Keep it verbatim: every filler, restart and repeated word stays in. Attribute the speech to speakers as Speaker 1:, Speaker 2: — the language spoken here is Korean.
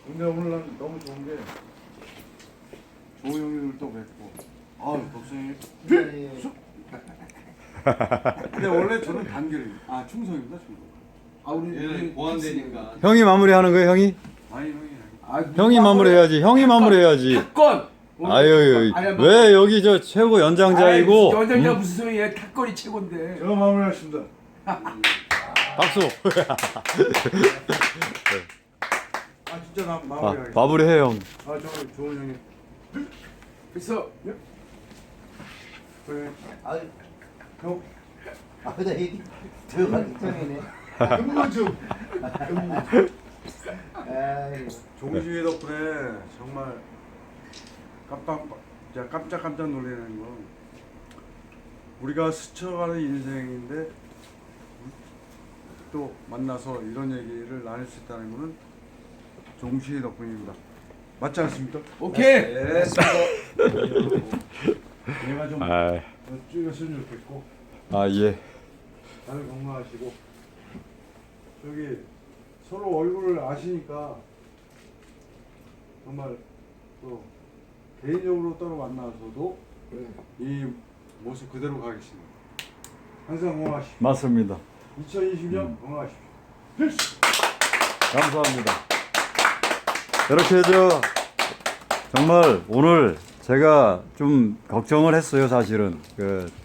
Speaker 1: 근데 오늘 난 너무 좋은 게 조우 형님을 또 뵙고 아유 덕성이 근데 원래 저는 단결입니다. 아 충성입니다 충성.
Speaker 2: 아 우리
Speaker 3: 얘는 보완되니까.
Speaker 4: 형이 마무리하는 거예요, 형이?
Speaker 1: 아니 형이
Speaker 2: 아,
Speaker 4: 형이 마무리해야지. 형이 마무리해야지.
Speaker 2: 탁건.
Speaker 4: 아유,
Speaker 2: 아니, 뭐,
Speaker 4: 왜 여기 저 최고 연장자이고?
Speaker 2: 아이, 연장자
Speaker 4: 음,
Speaker 2: 무슨 소리야? 탁건이 최고인데.
Speaker 1: 제가 마무리하겠습니다.
Speaker 4: 박수.
Speaker 1: 아 진짜 나
Speaker 4: 아,
Speaker 1: 마무리하겠습니다.
Speaker 4: 마무리해 형.
Speaker 1: 아 정말 좋은 형님.
Speaker 2: 그래서
Speaker 1: 그래
Speaker 5: 아유,
Speaker 1: 형
Speaker 5: 아유다 여기 들어가기 전이네.
Speaker 1: 근무 중.
Speaker 5: 아유,
Speaker 1: 종시회 덕분에 정말 깜빡 진짜 깜짝깜짝 놀라는 건 우리가 스쳐가는 인생인데 또 만나서 이런 얘기를 나눌 수 있다는 것은 종시회 덕분입니다. 맞지 않습니까?
Speaker 2: 오케이.
Speaker 1: 네. 얘가 좀
Speaker 4: 아,
Speaker 1: 줄였으면 좋겠고
Speaker 4: 아 예.
Speaker 1: 다들 건강하시고 저기 서로 얼굴을 아시니까 정말 또 개인적으로 따로 만나서도 이 모습 그대로 가겠습니다. 항상 건강하십시오.
Speaker 4: 맞습니다.
Speaker 1: 이천이십 년 건강하십시오. 필수!
Speaker 4: 감사합니다. 이렇게 저 정말 오늘 제가 좀 걱정을 했어요, 사실은. 그